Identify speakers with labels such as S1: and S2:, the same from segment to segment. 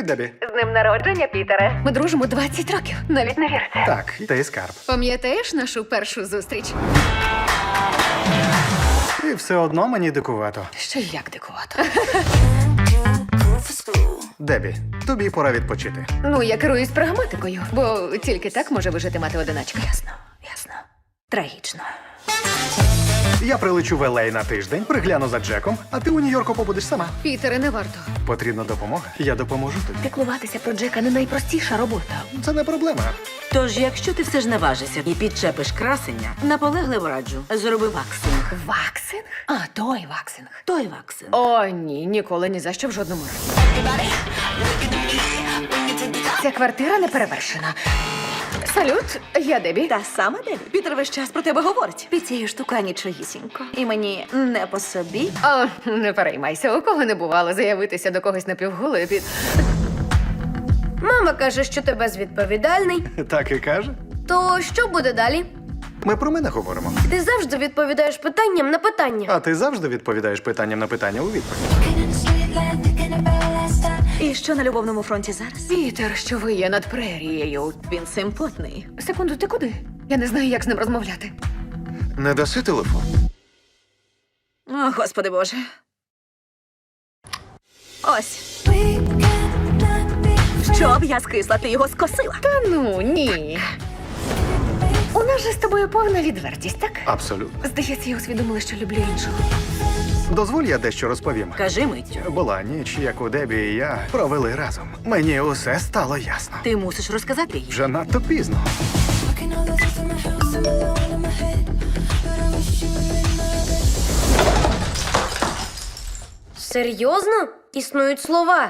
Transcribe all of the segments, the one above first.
S1: Дебі.
S2: З днем народження, Пітере. Ми дружимо 20 років. Навіть не вірте.
S1: Так, ти скарб.
S2: Пам'ятаєш нашу першу зустріч?
S1: І все одно мені дикувато.
S2: Що як дикувато.
S1: Дебі, тобі пора відпочити.
S2: Ну, я керуюсь прагматикою, бо тільки так може вижити мати-одиначка. Ясно. Трагічно.
S1: Я прилечу в Елей на тиждень, пригляну за Джеком, а ти у Нью-Йорку побудеш сама.
S2: Пітере, не варто.
S1: Потрібна допомога? Я допоможу тобі.
S2: Піклуватися про Джека не найпростіша робота.
S1: Це не проблема.
S3: Тож, якщо ти все ж наважишся і підчепиш красення, наполегливо раджу, зроби ваксинг.
S2: Ваксинг? А, той ваксинг.
S3: Той ваксинг.
S2: О, ні, ніколи ні за що в жодному разі. Ця квартира не перевершена. Салют, я Дебі.
S4: Та сама Дебі. Пітер весь час про тебе говорить. Під цією штука нічогісінько. І мені не по собі.
S2: О, не переймайся, у кого не бувало заявитися до когось напівголою під...
S5: Мама каже, що ти безвідповідальний.
S1: Так і каже.
S5: То що буде далі?
S1: Ми про мене говоримо.
S5: Ти завжди відповідаєш питанням на питання.
S1: А ти завжди відповідаєш питанням на питання у відповідь.
S4: І що на любовному фронті зараз?
S2: Пітер, що ви є над прерією.
S3: Він симпотний.
S2: Секунду, ти куди? Я не знаю, як з ним розмовляти.
S6: Не даси телефон?
S4: О, Господи Боже. Ось. Щоб я скисла, ти його скосила.
S2: Та ну, ні. У нас же з тобою повна відвертість, так?
S1: Абсолютно.
S2: Здається, я усвідомила, що люблю іншого.
S1: Дозволь, я дещо розповім.
S3: Кажи миттю.
S1: Була ніч, яку Дебі і я провели разом. Мені усе стало ясно.
S3: Ти мусиш розказати їй.
S1: Вже надто пізно.
S5: Серйозно? Існують слова.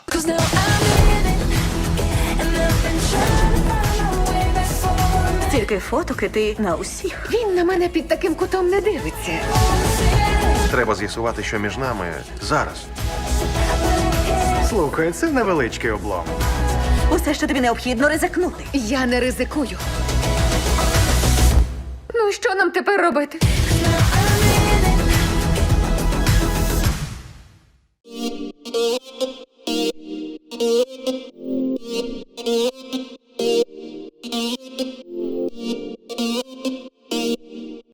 S4: Стільки фоток, і ти на усіх.
S2: Він на мене під таким кутом не дивиться.
S6: Треба з'ясувати, що між нами зараз.
S1: Слухай, це невеличкий облом.
S4: Усе, що тобі необхідно, ризикнути.
S2: Я не ризикую. Ну, і що нам тепер робити?